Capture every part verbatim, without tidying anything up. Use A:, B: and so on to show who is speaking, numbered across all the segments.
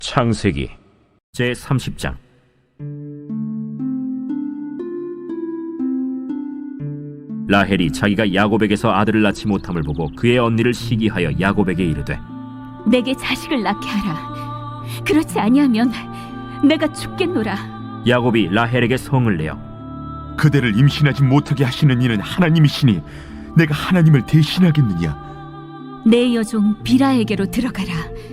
A: 창세기 제삼십 장. 라헬이 자기가 야곱에게서 아들을 낳지 못함을 보고 그의 언니를 시기하여 야곱에게 이르되,
B: 내게 자식을 낳게 하라. 그렇지 아니하면 내가 죽겠노라.
A: 야곱이 라헬에게 성을 내어
C: 그대를 임신하지 못하게 하시는 이는 하나님이시니 내가 하나님을 대신하겠느냐?
B: 내 여종 비라에게로 들어가라.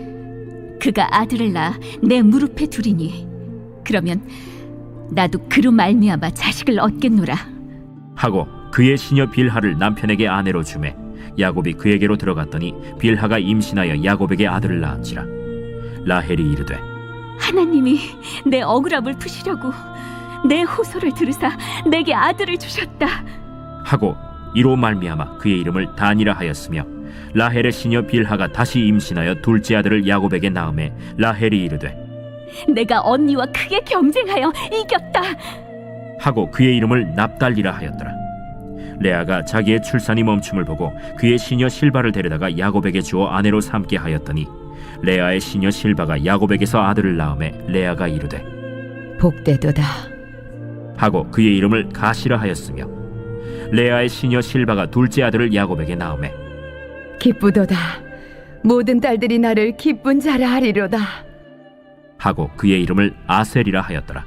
B: 그가 아들을 낳아 내 무릎에 두리니 그러면 나도 그로 말미암아 자식을 얻겠노라
A: 하고 그의 시녀 빌하를 남편에게 아내로 주매 야곱이 그에게로 들어갔더니 빌하가 임신하여 야곱에게 아들을 낳은지라. 라헬이 이르되,
B: 하나님이 내 억울함을 푸시려고 내 호소를 들으사 내게 아들을 주셨다
A: 하고 이로 말미암아 그의 이름을 단이라 하였으며, 라헬의 시녀 빌하가 다시 임신하여 둘째 아들을 야곱에게 낳음에 라헬이 이르되,
B: 내가 언니와 크게 경쟁하여 이겼다
A: 하고 그의 이름을 납달리라 하였더라. 레아가 자기의 출산이 멈춤을 보고 그의 시녀 실바를 데려다가 야곱에게 주어 아내로 삼게 하였더니 레아의 시녀 실바가 야곱에게서 아들을 낳음에 레아가 이르되,
D: 복되도다.
A: 하고 그의 이름을 가시라 하였으며, 레아의 시녀 실바가 둘째 아들을 야곱에게 낳음에
D: 기쁘도다. 모든 딸들이 나를 기쁜 자라 하리로다.
A: 하고 그의 이름을 아셀이라 하였더라.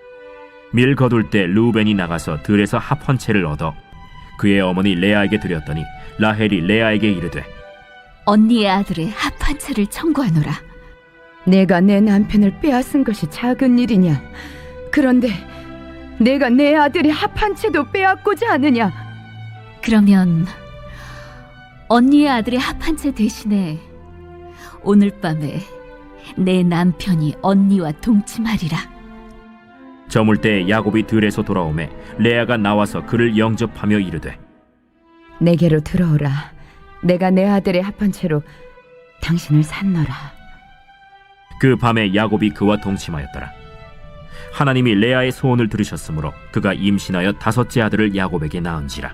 A: 밀 거둘 때 르우벤이 나가서 들에서 합 한 채를 얻어 그의 어머니 레아에게 드렸더니 라헬이 레아에게 이르되,
B: 언니의 아들의 합 한 채를 청구하노라.
D: 내가 내 남편을 빼앗은 것이 작은 일이냐? 그런데 내가 내 아들의 합 한 채도 빼앗고자 하느냐?
B: 그러면 언니의 아들의 합 한 채 대신에 오늘 밤에 내 남편이 언니와 동침하리라.
A: 저물 때 야곱이 들에서 돌아오매 레아가 나와서 그를 영접하며 이르되,
D: 내게로 들어오라. 내가 내 아들의 합 한 채로 당신을 산노라.
A: 그 밤에 야곱이 그와 동침하였더라. 하나님이 레아의 소원을 들으셨으므로 그가 임신하여 다섯째 아들을 야곱에게 낳은지라.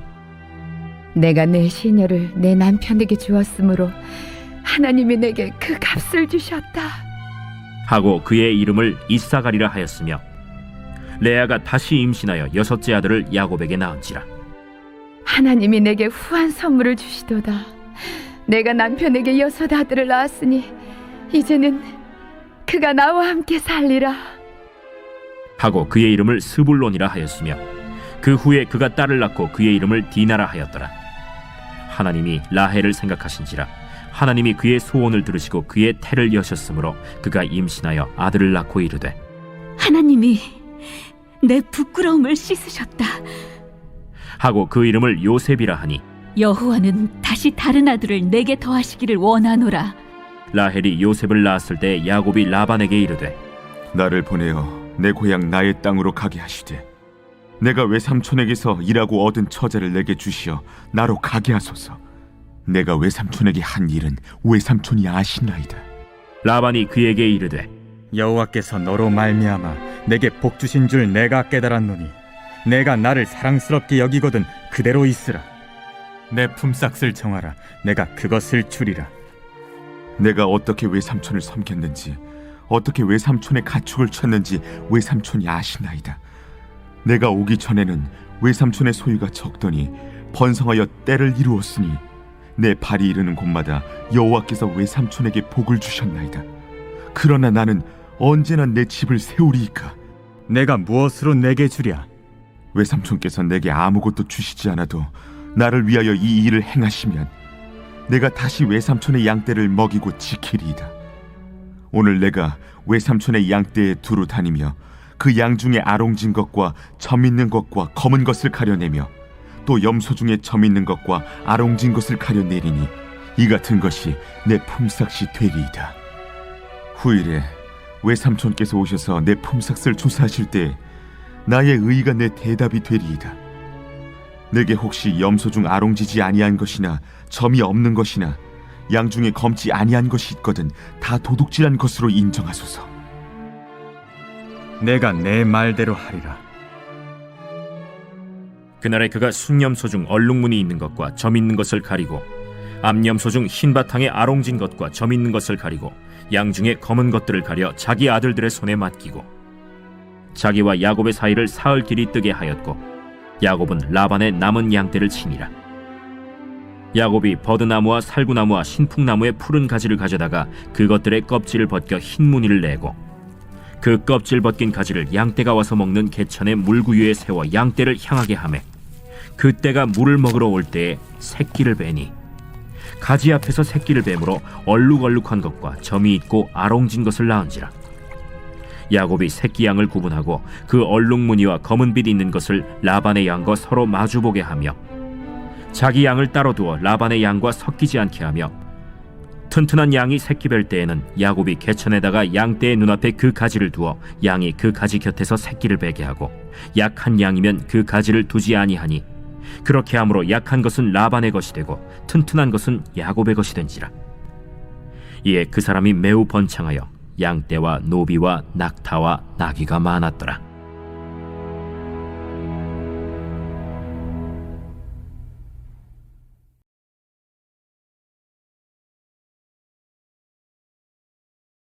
D: 내가 내 시녀를 내 남편에게 주었으므로 하나님이 내게 그 값을 주셨다.
A: 하고 그의 이름을 이사가리라 하였으며, 레아가 다시 임신하여 여섯째 아들을 야곱에게 낳은지라.
D: 하나님이 내게 후한 선물을 주시도다. 내가 남편에게 여섯 아들을 낳았으니 이제는 그가 나와 함께 살리라.
A: 하고 그의 이름을 스불론이라 하였으며, 그 후에 그가 딸을 낳고 그의 이름을 디나라 하였더라. 하나님이 라헬을 생각하신지라 하나님이 그의 소원을 들으시고 그의 태를 여셨으므로 그가 임신하여 아들을 낳고 이르되,
B: 하나님이 내 부끄러움을 씻으셨다.
A: 하고 그 이름을 요셉이라 하니,
B: 여호와는 다시 다른 아들을 내게 더하시기를 원하노라.
A: 라헬이 요셉을 낳았을 때 야곱이 라반에게 이르되,
C: 나를 보내어 내 고향 나의 땅으로 가게 하시되 내가 외삼촌에게서 일하고 얻은 처자를 내게 주시어 나로 가게 하소서. 내가 외삼촌에게 한 일은 외삼촌이 아시나이다.
A: 라반이 그에게 이르되,
E: 여호와께서 너로 말미암아 내게 복 주신 줄 내가 깨달았노니 내가 나를 사랑스럽게 여기거든 그대로 있으라. 내 품삯을 정하라. 내가 그것을 주리라.
C: 내가 어떻게 외삼촌을 섬겼는지 어떻게 외삼촌의 가축을 쳤는지 외삼촌이 아시나이다. 내가 오기 전에는 외삼촌의 소유가 적더니 번성하여 때를 이루었으니 내 발이 이르는 곳마다 여호와께서 외삼촌에게 복을 주셨나이다. 그러나 나는 언제나 내 집을 세우리이까?
E: 내가 무엇으로 내게 주랴?
C: 외삼촌께서 내게 아무것도 주시지 않아도 나를 위하여 이 일을 행하시면 내가 다시 외삼촌의 양떼를 먹이고 지키리이다. 오늘 내가 외삼촌의 양떼에 두루 다니며 그 양 중에 아롱진 것과 점 있는 것과 검은 것을 가려내며 또 염소 중에 점 있는 것과 아롱진 것을 가려내리니 이 같은 것이 내 품삯이 되리이다. 후일에 외삼촌께서 오셔서 내 품삯을 조사하실 때 나의 의의가 내 대답이 되리이다. 내게 혹시 염소 중 아롱지지 아니한 것이나 점이 없는 것이나 양 중에 검지 아니한 것이 있거든 다 도둑질한 것으로 인정하소서.
E: 내가 내 말대로 하리라.
A: 그날에 그가 순염소 중 얼룩무늬 있는 것과 점 있는 것을 가리고 암염소 중 흰 바탕에 아롱진 것과 점 있는 것을 가리고 양 중에 검은 것들을 가려 자기 아들들의 손에 맡기고 자기와 야곱의 사이를 사흘 길이 뜨게 하였고 야곱은 라반의 남은 양떼를 치니라. 야곱이 버드나무와 살구나무와 신풍나무의 푸른 가지를 가져다가 그것들의 껍질을 벗겨 흰 무늬를 내고 그 껍질 벗긴 가지를 양떼가 와서 먹는 개천의 물구유에 세워 양떼를 향하게 하매 그때가 물을 먹으러 올 때에 새끼를 베니 가지 앞에서 새끼를 뱀으로 얼룩얼룩한 것과 점이 있고 아롱진 것을 낳은지라. 야곱이 새끼 양을 구분하고 그 얼룩무늬와 검은빛 있는 것을 라반의 양과 서로 마주보게 하며 자기 양을 따로 두어 라반의 양과 섞이지 않게 하며 튼튼한 양이 새끼 뵐 때에는 야곱이 개천에다가 양떼의 눈앞에 그 가지를 두어 양이 그 가지 곁에서 새끼를 베게 하고 약한 양이면 그 가지를 두지 아니하니 그렇게 함으로 약한 것은 라반의 것이 되고 튼튼한 것은 야곱의 것이 된지라. 이에 그 사람이 매우 번창하여 양떼와 노비와 낙타와 나귀가 많았더라.